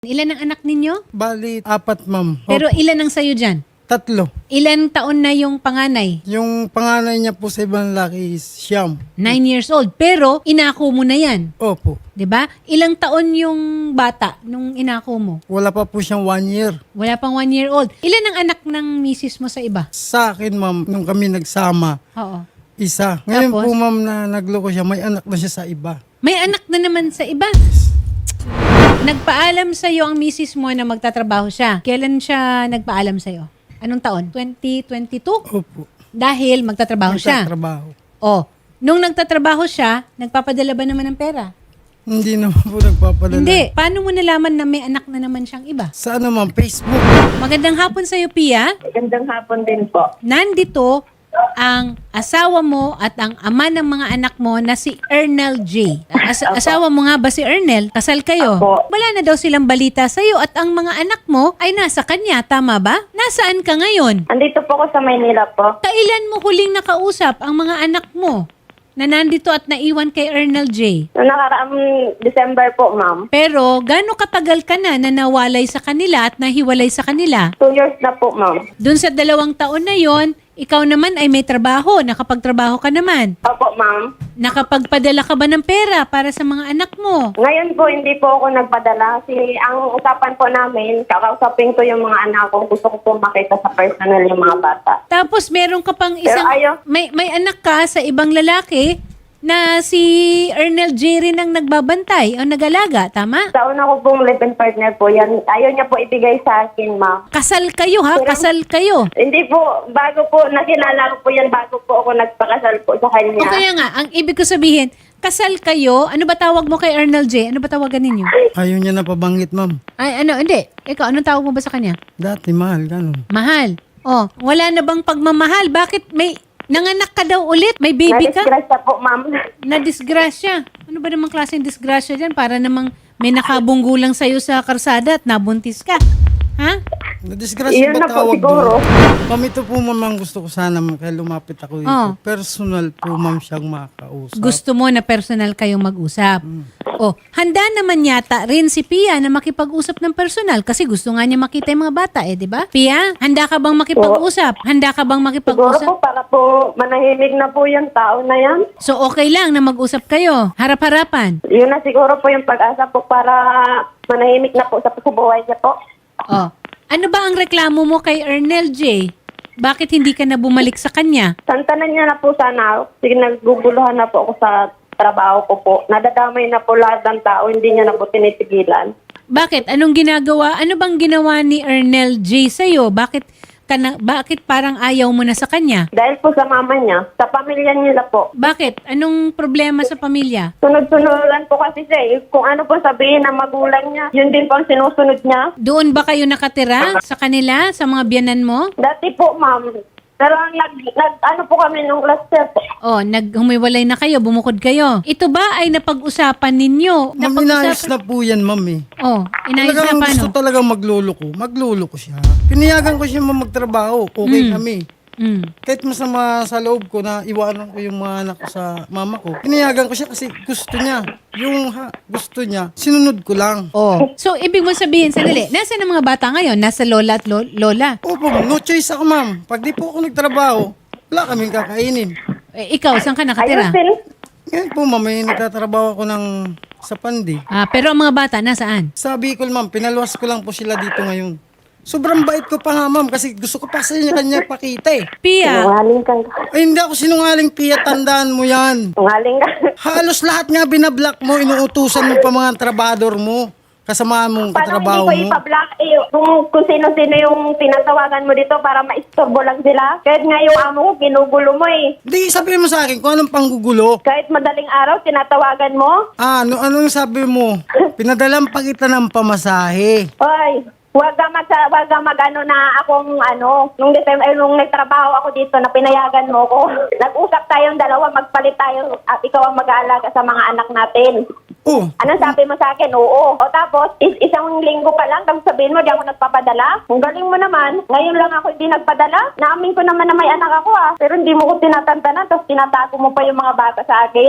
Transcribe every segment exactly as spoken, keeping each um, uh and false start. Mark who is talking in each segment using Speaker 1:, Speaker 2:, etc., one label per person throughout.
Speaker 1: Ilan ang anak ninyo?
Speaker 2: Bali, apat, ma'am.
Speaker 1: Pero
Speaker 2: Opo,
Speaker 1: ilan ang sayo dyan?
Speaker 2: tatlo.
Speaker 1: Ilan taon na yung panganay?
Speaker 2: Yung panganay niya po sa ibang laki is Siyam.
Speaker 1: Nine years old. Pero inako mo na yan.
Speaker 2: Opo.
Speaker 1: 'Di ba? Ilang taon yung bata nung inako mo?
Speaker 2: Wala pa po siyang one year.
Speaker 1: Wala pang one year old. Ilan ang anak ng misis mo sa iba?
Speaker 2: Sa akin, ma'am, nung kami nagsama,
Speaker 1: Oo.
Speaker 2: isa. Ngayon
Speaker 1: Tapos?
Speaker 2: po, ma'am, na nagloko siya, may anak na siya sa iba.
Speaker 1: May anak na naman sa iba. Nagpaalam sa iyo ang misis mo na magtatrabaho siya. Kailan siya nagpaalam sa iyo? Anong taon? twenty twenty-two?
Speaker 2: Opo.
Speaker 1: Dahil magtatrabaho siya.
Speaker 2: Nagtatrabaho.
Speaker 1: Oh, nung nagtatrabaho siya, nagpapadala ba naman ng pera?
Speaker 2: Hindi naman po nagpapadala.
Speaker 1: Hindi. Paano mo nalaman na may anak na naman siyang iba?
Speaker 2: Sa ano, ma'am? Facebook.
Speaker 1: Magandang hapon sa iyo, Pia.
Speaker 3: Magandang hapon din po.
Speaker 1: Nandito ang asawa mo at ang ama ng mga anak mo na si Ernel J. As- asawa mo nga ba si Ernel? Kasal kayo?
Speaker 3: Apo.
Speaker 1: Wala na daw silang balita sa iyo at ang mga anak mo ay nasa kanya, tama ba? Nasaan ka ngayon?
Speaker 3: Andito po ako sa Maynila po.
Speaker 1: Kailan mo huling nakausap ang mga anak mo na nandito at naiwan kay Ernel J?
Speaker 3: Noong nakaraang December po, ma'am.
Speaker 1: Pero gaano katagal ka na na nawalay sa kanila at nahiwalay sa kanila?
Speaker 3: Two years na po, ma'am.
Speaker 1: Doon sa dalawang taon na yon, ikaw naman ay may trabaho, nakapagtrabaho ka naman.
Speaker 3: Opo, ma'am.
Speaker 1: Nakapagpadala ka ba ng pera para sa mga anak mo?
Speaker 3: Ngayon po, hindi po ako nagpadala. Kasi ang usapan po namin, kakausapin ko yung mga anak ko. Gusto ko po makita sa personal yung mga bata.
Speaker 1: Tapos meron ka pang
Speaker 3: Pero
Speaker 1: isang,
Speaker 3: ayaw.
Speaker 1: may, may anak ka sa ibang lalaki na si Ernel J rin ang nagbabantay o nag-alaga, tama?
Speaker 3: Sa una ko pong live-in partner po yan. Ayaw niya po ibigay sa akin, ma'am.
Speaker 1: Kasal kayo ha, kasal kayo.
Speaker 3: Hindi po, bago po, nakilala ko po yan, bago po ako nagpakasal po sa kanya.
Speaker 1: O kaya nga, ang ibig ko sabihin, kasal kayo, ano ba tawag mo kay Ernel J? Ano ba tawagan ninyo?
Speaker 2: Ayaw niya na pabanggit, ma'am.
Speaker 1: Ay, ano, hindi. Ikaw, anong tawag mo ba sa kanya?
Speaker 2: Dati, mahal, ganun.
Speaker 1: Mahal. Oh, wala na bang pagmamahal? Bakit may nanganak ka daw ulit? May baby ka?
Speaker 3: Na-disgrasya po, ma'am.
Speaker 1: Na-disgrasya. Ano ba namang klaseng disgrasya dyan? Para namang may nakabunggo lang sa'yo sa karsada at nabuntis ka. Ha?
Speaker 2: Na-disgrasya
Speaker 3: Iyon
Speaker 2: ba
Speaker 3: na po
Speaker 2: tawag
Speaker 3: siguro.
Speaker 2: doon? Ma'am, ito po, ma'am, ang gusto ko sana, ma'am, kaya lumapit ako dito.
Speaker 1: Oh.
Speaker 2: Personal po, ma'am, siyang makausap.
Speaker 1: Gusto mo na personal kayong mag-usap. Oh, handa naman yata rin si Pia na makipag-usap ng personal kasi gusto nga niya makita yung mga bata eh, di ba? Pia, handa ka bang makipag-usap? Handa ka bang
Speaker 3: Siguro
Speaker 1: makipag-usap?
Speaker 3: po, para po manahimik na po yung tao na yan.
Speaker 1: So okay lang na mag-usap kayo, harap-harapan.
Speaker 3: Yun na siguro po yung pag-asa po para manahimik na po sa, sa buhay niya po.
Speaker 1: Oh. Ano ba ang reklamo mo kay Ernel J? Bakit hindi ka na bumalik sa kanya?
Speaker 3: Santanan niya na po sana. Sige, nagguguluhan na po ako sa trabaho ko po. Nadadamay na po lahat ng tao, hindi niya na po tinitigilan.
Speaker 1: Bakit? Anong ginagawa? Ano bang ginawa ni Ernel J sa'yo? Bakit, ka na, bakit parang ayaw mo na sa kanya?
Speaker 3: Dahil po sa mama niya, sa pamilya niya po.
Speaker 1: Bakit? Anong problema sa pamilya?
Speaker 3: Sunod-sunuran po kasi siya eh. Kung ano po sabihin ng magulang niya, yun din po ang sinusunod niya.
Speaker 1: Doon ba kayo nakatira sa kanila, sa mga biyanan mo?
Speaker 3: Dati po, ma'am. Pero nag, nag ano po kami nung last year po.
Speaker 1: Oh, naghumiwalay na kayo, bumukod kayo. Ito ba ay napag-usapan ninyo?
Speaker 2: Ma'am, inayos na po yan, ma'am, eh.
Speaker 1: Oh, inayos na
Speaker 2: Talagang
Speaker 1: paano?
Speaker 2: gusto talagang magluloko. Magluloko siya. Piniyagan ko siya ma'am, magtrabaho. Okay
Speaker 1: Mm.
Speaker 2: kami.
Speaker 1: Mm.
Speaker 2: Kahit masama sa loob ko na iwanan ko yung mga anak ko sa mama ko. Piniyagan ko siya kasi gusto niya. Yung ha, gusto niya, sinunod ko lang.
Speaker 1: Oh. So, ibig mo sabihin, sandali, nasa ng mga bata ngayon? Nasa lola at lo- lola?
Speaker 2: Opo, no choice ako ma'am. Pag di po ako nagtrabaho, wala kaming kakainin.
Speaker 1: Eh, ikaw, saan ka nakatira?
Speaker 3: Ayusin.
Speaker 2: Ngayon po ma'am, may nagtatrabaho ako ng sa Pandi.
Speaker 1: Ah, pero ang mga bata, nasaan?
Speaker 2: Sa Bicol ma'am, pinaluwas ko lang po sila dito ngayon. Sobrang bait ko pa nga ma'am kasi gusto ko pa sa inyo kanya pakita eh.
Speaker 1: Pia,
Speaker 3: Sinungaling ka.
Speaker 2: Ay hindi ako sinungaling, Pia, tandaan mo yan.
Speaker 3: Sinungaling ka.
Speaker 2: Halos lahat nga binablock mo, inuutusan mo pa mga trabador mo, kasama mong
Speaker 3: Paano
Speaker 2: katrabaho
Speaker 3: hindi ko
Speaker 2: mo.
Speaker 3: ipa-block eh, kung, kung sino-sino yung tinatawagan mo dito para maistorbo lang sila? Kahit nga yung amo ko, ginugulo mo eh.
Speaker 2: Di, sabihin mo sa akin kung anong panggugulo.
Speaker 3: Kahit madaling araw, tinatawagan mo.
Speaker 2: Ah, ano, anong sabi mo? Pinadalang pa kita ng pamasahe.
Speaker 3: Hoy, wag ka mag, wag ka mag ano na akong ano, nung December, eh, nung nagtrabaho ako dito na pinayagan mo ko. Nag-usap tayong dalawa, magpalit tayo at ikaw ang mag-aalaga sa mga anak natin.
Speaker 2: Oh,
Speaker 3: Anong sabi mo sa akin? Oo. O tapos, is isang linggo pa lang, tapos sabihin mo, di ako nagpapadala. Kung galing mo naman, ngayon lang ako hindi nagpadala. Naamin ko naman na may anak ako ah. Pero hindi mo ko tinatantanan, tapos tinatago mo pa yung mga bata sa akin.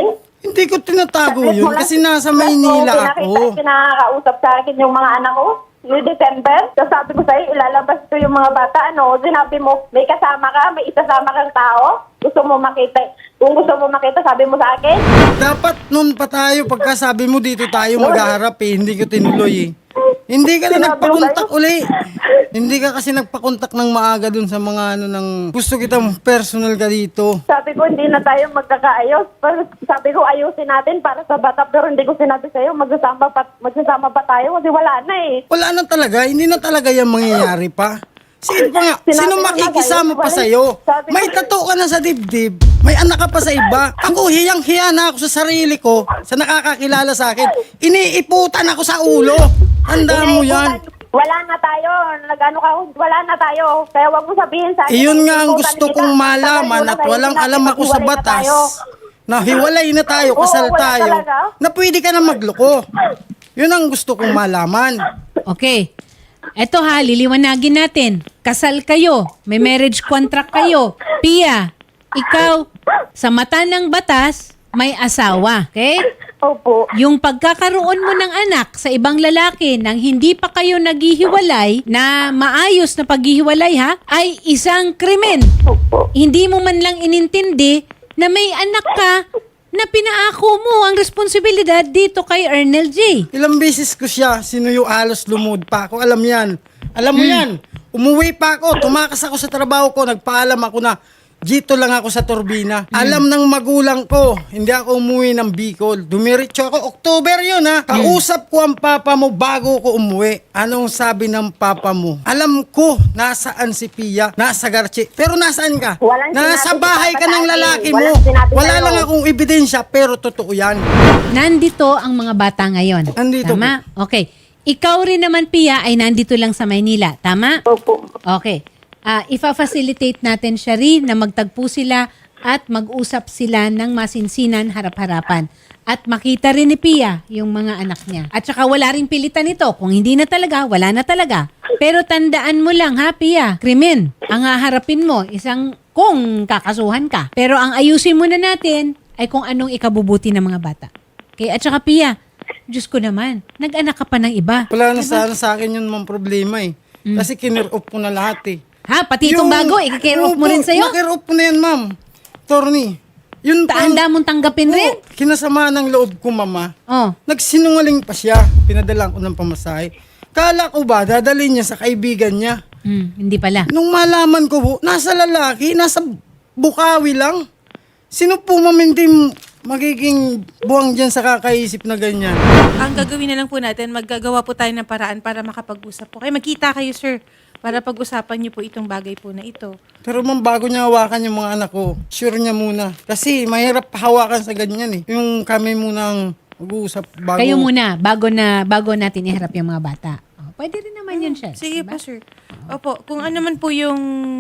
Speaker 2: Hindi ko tinatago
Speaker 3: Sakit
Speaker 2: yun
Speaker 3: mo lang.
Speaker 2: kasi nasa
Speaker 3: Tapos
Speaker 2: Maynila
Speaker 3: pinakita-
Speaker 2: ako.
Speaker 3: Pinakakausap sa akin yung mga anak ko. Ni December, so sabi ko sa'yo, ilalabas ko yung mga bata. Ano, sinabi mo, may kasama ka, may isasama kang tao. Gusto mo makita. Kung gusto mo makita, sabi mo sa akin.
Speaker 2: Dapat nun pa tayo, pagka sabi mo dito tayo maghaharap eh, hindi ko tinuloy eh. Hindi ka na
Speaker 3: Sinabi ko
Speaker 2: nagpakontak
Speaker 3: sa'yo.
Speaker 2: uli. Hindi ka kasi nagpakontak ng maaga dun sa mga ano ng gusto kitang personal ka dito.
Speaker 3: Sabi ko, hindi na tayo magkakaayos. Pero sabi ko, ayusin natin para sa bata. Pero hindi ko sinabi sa'yo, magsasama pa, magsasama pa tayo kasi wala na eh.
Speaker 2: Wala na talaga, hindi na talaga yan mangyayari pa. Sino pa nga,
Speaker 3: Sinabi
Speaker 2: sino
Speaker 3: ko nga
Speaker 2: makikisama
Speaker 3: sa'yo,
Speaker 2: pa
Speaker 3: wala-
Speaker 2: sa'yo?
Speaker 3: sabi ko-
Speaker 2: May tato ka na sa dibdib, may anak ka pa sa iba. Ako hiyang-hiya na ako sa sarili ko, sa nakakakilala sa akin. Iniiputan ako sa ulo. Tandaan mo yan.
Speaker 3: Wala na tayo. Nagano ka, wala na tayo. Kaya wag mo sabihin sa akin.
Speaker 2: Iyon nga ang
Speaker 3: iniiputan
Speaker 2: gusto
Speaker 3: kita.
Speaker 2: kong malaman
Speaker 3: Tagal
Speaker 2: at
Speaker 3: mo na
Speaker 2: walang
Speaker 3: tayo,
Speaker 2: alam ako sa
Speaker 3: hiwalay na
Speaker 2: batas.
Speaker 3: tayo.
Speaker 2: Na hiwalay na tayo,
Speaker 3: Oo,
Speaker 2: kasal
Speaker 3: wala
Speaker 2: tayo,
Speaker 3: talaga.
Speaker 2: na pwede ka na magloko. Yun ang gusto kong malaman.
Speaker 1: Okay. Eto ha, liliwanagin natin. Kasal kayo, may marriage contract kayo. Pia, ikaw, sa mata ng batas, may asawa. Okay?
Speaker 3: Opo.
Speaker 1: Yung pagkakaroon mo ng anak sa ibang lalaki nang hindi pa kayo naghihiwalay, na maayos na paghihiwalay ha, ay isang krimen.
Speaker 3: Opo.
Speaker 1: Hindi mo man lang inintindi na may anak ka na pinaako mo ang responsibilidad dito kay Ernel J.
Speaker 2: Ilang beses ko siya, sinuyo alos lumod pa ako. Alam yan. Alam mo yan. Umuwi pa ako, tumakas ako sa trabaho ko, nagpaalam ako na dito lang ako sa turbina. Alam ng magulang ko, hindi ako umuwi ng Bicol. Dumiretso ako, October yun ha. Kausap ko ang papa mo bago ko umuwi. Anong sabi ng papa mo? Alam ko, nasaan si Pia, nasa Garche. Pero nasaan ka?
Speaker 3: Walang
Speaker 2: Nasa
Speaker 3: sinabi si
Speaker 2: bahay
Speaker 3: Papa
Speaker 2: ka ng
Speaker 3: sa akin.
Speaker 2: lalaki mo.
Speaker 3: Walang sinabi
Speaker 2: Wala
Speaker 3: sa'yo.
Speaker 2: lang akong ebidensya, pero totoo yan.
Speaker 1: Nandito ang mga bata ngayon.
Speaker 2: Nandito
Speaker 1: Tama? Okay. Ikaw rin naman, Pia, ay nandito lang sa Maynila. Tama?
Speaker 3: Opo.
Speaker 1: Okay. Ah, ifa-facilitate natin siya rin na magtagpo sila at mag-usap sila ng masinsinan harap-harapan. At makita rin ni Pia yung mga anak niya. At saka wala rin pilitan ito. Kung hindi na talaga, wala na talaga. Pero tandaan mo lang ha, Pia, krimen. Ang haharapin mo, isang kung kakasuhan ka. Pero ang ayusin muna natin ay kung anong ikabubuti ng mga bata. Okay? At saka Pia, Diyos ko naman, nag-anak ka pa ng iba.
Speaker 2: Wala na sana sa akin yun mang problema eh. Kasi kinir-off ko na lahat eh.
Speaker 1: Ha? Pati itong bago, i-care off mo rin sa'yo?
Speaker 2: Na-care off ko na yan, ma'am. Torny. Yun pa-
Speaker 1: Taanda mong tanggapin rin?
Speaker 2: Oo, kinasama ng loob ko, mama.
Speaker 1: Oh.
Speaker 2: Nagsinungaling pa siya. Pinadalang ko ng pamasahe. Kala ko ba, dadalhin niya sa kaibigan niya.
Speaker 1: Hmm, hindi pala.
Speaker 2: Nung malaman ko po, nasa lalaki, nasa Bukawi lang. Sino po ma'am hindi magiging buwang dyan sa kakaisip na ganyan?
Speaker 4: Ang gagawin na lang po natin, maggagawa po tayo ng paraan para makapag-usap po. Kaya magkita kayo, sir, para pag-usapan niyo po itong bagay po na ito.
Speaker 2: Pero ma'am, bago niya hawakan yung mga anak ko, sure niya muna. Kasi mahirap hawakan sa ganyan eh. Yung kami munang mag-uusap bago.
Speaker 1: Kayo muna, bago na bago natin iharap yung mga bata. Oh, pwede rin naman yun siya.
Speaker 4: Sige
Speaker 1: diba?
Speaker 4: po, sir. Opo, kung ano man po yung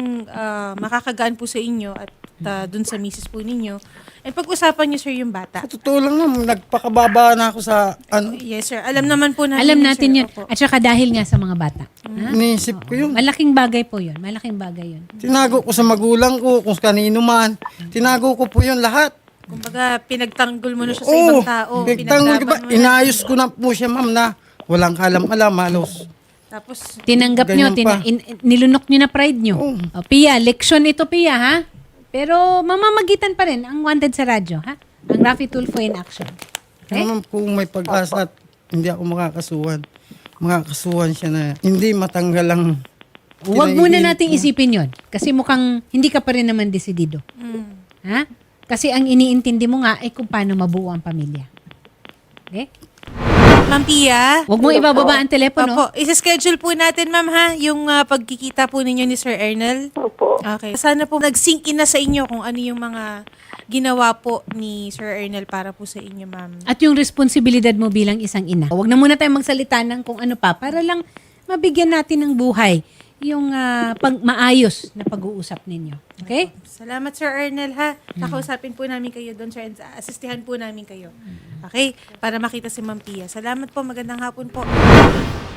Speaker 4: ah, makakagaan po sa inyo at ah, dun sa misis po ninyo, eh pag-usapan niyo, sir, yung bata.
Speaker 2: Sa totoo lang ma'am, nagpakababa na ako sa ano,
Speaker 4: Yes, sir. Alam naman po natin.
Speaker 1: Alam
Speaker 4: yun,
Speaker 1: natin
Speaker 4: sir.
Speaker 1: yun.
Speaker 4: Opo.
Speaker 1: At saka dahil nga sa mga bata. Ha?
Speaker 2: iniisip ko yun.
Speaker 1: Malaking bagay po yun. Malaking bagay yun.
Speaker 2: Tinago ko sa magulang ko, kung kanino man. Tinago ko po yun lahat.
Speaker 4: Kumbaga, pinagtanggol mo na siya sa
Speaker 2: Oo,
Speaker 4: ibang tao.
Speaker 2: nagtanggol ko ba?
Speaker 4: pinaglaban mo na.
Speaker 2: Inayos ko na po siya ma'am na walang kalam-alam, halos.
Speaker 4: Tapos,
Speaker 1: Tinanggap nyo,
Speaker 2: Ganyan
Speaker 1: tina,
Speaker 2: pa.
Speaker 1: in- nilunok nyo na pride nyo.
Speaker 2: Oo.
Speaker 1: Oh, Pia, leksyon ito, Pia, ha? Pero mamamagitan pa rin ang wanted sa radyo, ha? Ang Rafi Tulfo in action. Okay?
Speaker 2: Kaya ma'am, kung may pag-asa at hindi ako makakasuhan, makakasuhan siya na hindi matanggal ang
Speaker 1: Huwag muna
Speaker 2: kinaiinit
Speaker 1: nating
Speaker 2: mo.
Speaker 1: isipin yon kasi mukhang hindi ka pa rin naman desidido. Ha? Kasi ang iniintindi mo nga ay kung paano mabuo ang pamilya. Okay?
Speaker 4: Ma'am Pia,
Speaker 1: Huwag mo ibababa ang telepono.
Speaker 4: Opo, isa-schedule po natin, ma'am, ha, yung ah, pagkikita po ninyo ni Sir Ernel.
Speaker 3: Opo.
Speaker 4: Okay. Sana po nag-sink in na sa inyo kung ano yung mga ginawa po ni Sir Ernel para po sa inyo, ma'am.
Speaker 1: At yung responsibilidad mo bilang isang ina. Huwag na muna tayong magsalita ng kung ano pa para lang mabigyan natin ng buhay yung ah, pag maayos na pag-uusap ninyo. Okay?
Speaker 4: Salamat, Sir Ernel, ha. Nakausapin po namin kayo doon, sir, and asistihan po namin kayo. Okay? Para makita si Ma'am Pia. Salamat po. Magandang hapon po.